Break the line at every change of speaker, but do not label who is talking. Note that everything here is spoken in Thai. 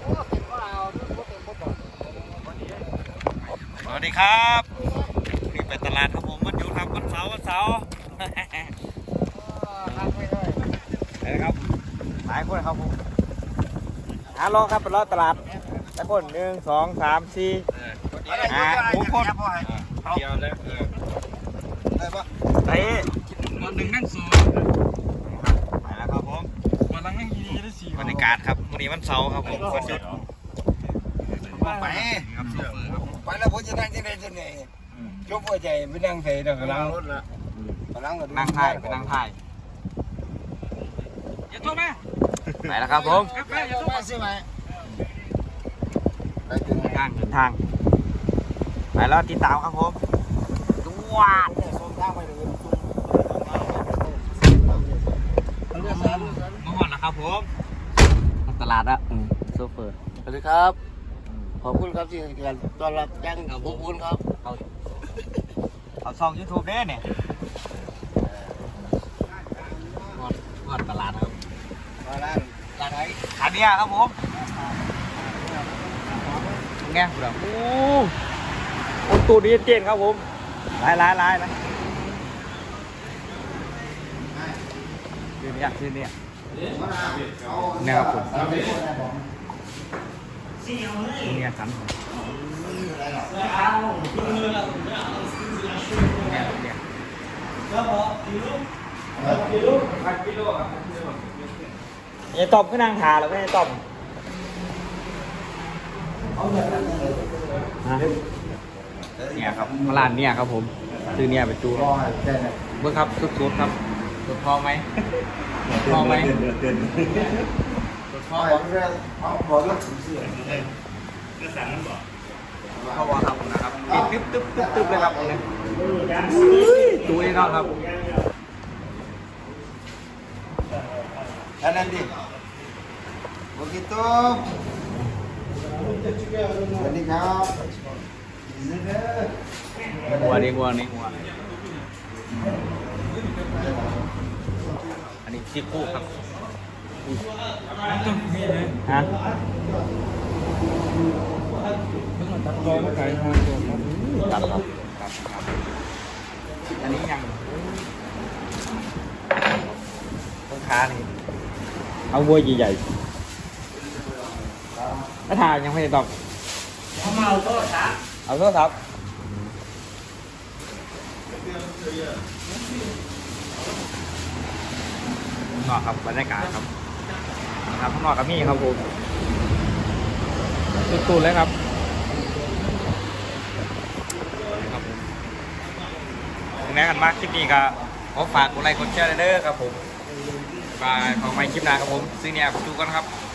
สวัสดีครับนี่ไปตลาดครับผมวันหยุดครับวันเสาร์ไปนะครับหลายคนครับผมลองครับไปรอตลาดแต่คน1 2 3 4 5 6 คนเดียวเลยได้ปะไปวันหนึ่งนั่งสูไปแล้วครับผมวันนั่งดีได้4บรรยากาศครับวันนี้วันเสาร์ครับผมวันหยุดไปครับไปแล้วผมจะนั่งที่ไหนจะไหนยกหัวใจไปนั่งใส่เดี๋ยวกำลังรถละนั่งถ่ายไปนั่งถ่ายอย่าโทษนะไปแล้วครับผมอย่าโทษมาสิไหมไปถึงทางไปแล้วติดตามครับผมจวดมาหอดแล้วครับผมตลาดอะโซเฟอร์
สวัสดีครับขอบคุณครับที่ให้การต้อนรับยังขอบคุณครับ
เอาช่อง YouTube เด้เนี่ยหอดตลาดครับร้านไหนอันนี้ครับผมแง่ครับโอ้ตูดีเจนครับผมลายนะชื่อเนี่ยเนี่ยครับผมเนี่ยสันเนี่ยตอบขึ้นนางถาหรือไม่ตอบเนี่ยครับร้านเนี่ยครับผมซื้อเนี่ยไปจูเมื่อครับสุดๆครับสุดพอไหมพอไหมสุดพอบอกแล้วถึงเสื้อก็สั่งนั่นบอกพอวครับนะครับติดตึ๊บเลยครับเนี่ยจูนี่นอนครับนั่นดิโอเคตุ๊บสวัสดีครับหัวนี่หัวอันนี้ซีฟู้ดครับฮะตัดตัวมาขายทางตัวตัดครับอันนี้ยังต้นขานี่เอาวัวใหญ่ๆถ้าทานยังไม่ได้ตอบเอาโทษครับข้างนอกครับบรรยากาศครับครับข้างนอกกับมี่ครับผมตุ่นๆเลยครับถึงแม้กันมากคลิปนี้ก็ขอฝากกดไลค์กดแชร์เด้อครับผมบายขอไปคลิปหน้าครับผมซื้อเนี่ยดูกันครับ